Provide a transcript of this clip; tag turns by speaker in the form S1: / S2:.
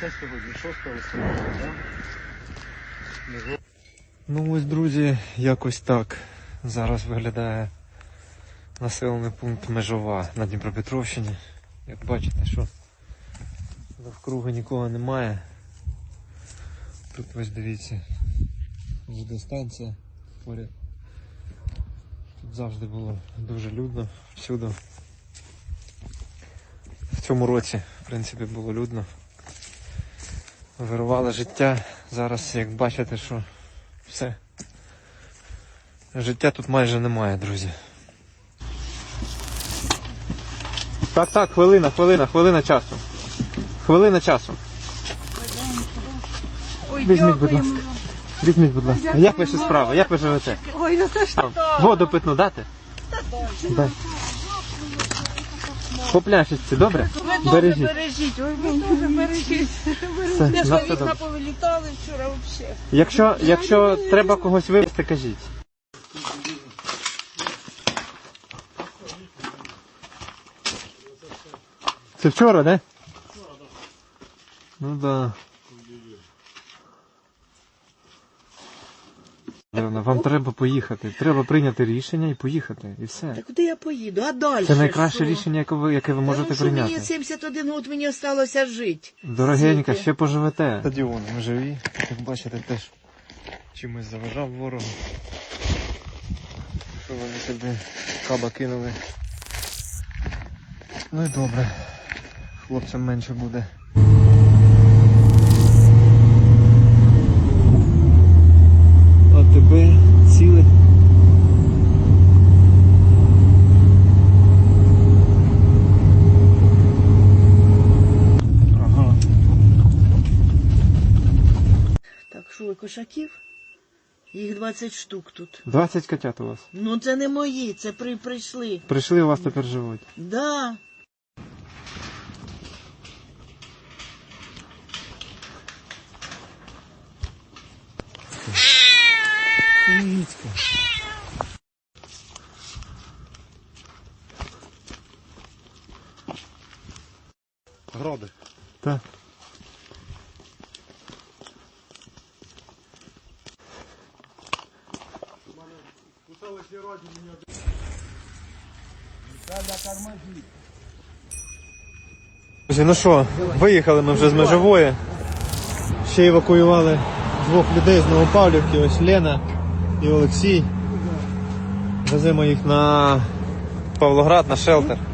S1: Це сьогодні 6 листопада, так?
S2: Ну ось, друзі, якось так зараз виглядає населений пункт Межова на Дніпропетровщині. Як бачите, що навкруги нікого немає. Тут ось дивіться, водостанція поряд. Тут завжди було дуже людно, всюди. В цьому році, в принципі, було людно. Вирувало життя. Зараз, як бачите, що все. Життя тут майже немає, друзі. Так, хвилина часу. Хвилина часу. Візьміть, будь ласка. Візьміть, будь ласка. Як ваші справи? Як ви живете?
S3: Ой, ну це що?
S2: Воду питну дати? Дай. По пляшечці, добре?
S3: Ви
S2: Бережіть.
S3: добре бережіть, ой, ви дуже бережіть.
S2: Все,
S3: Я
S2: на
S3: ж
S2: все
S3: вікна
S2: добре.
S3: повилітали вчора взагалі.
S2: Якщо треба когось вивезти, кажіть. Це вчора, да? Ну да. Вам треба поїхати. Треба прийняти рішення і поїхати. І все.
S3: Та куди я поїду? А далі?
S2: Це найкраще
S3: що?
S2: рішення, яке ви можете прийняти.
S3: Мені 71 год, мені залишилося жити.
S2: Дорогенька, ще поживете. Стадіон, ми живі. Як бачите, теж чимось заважав ворогу. Що вони сюди каба кинули. Ну і добре. Хлопцям менше буде. А тебе ціле. Ага.
S3: Так, що, кошаків? Їх 20 штук тут.
S2: 20 котят у вас.
S3: Ну це не мої, це прийшли.
S2: Прийшли, у вас тепер живуть.
S3: Да.
S2: Кицька.
S1: Гроди.
S2: Так. Друзі, ну що, виїхали ми вже з Межової. Ще евакуювали двох людей з Новопавлівки, ось Лена і Олексій. Веземо їх на Павлоград, на шелтер.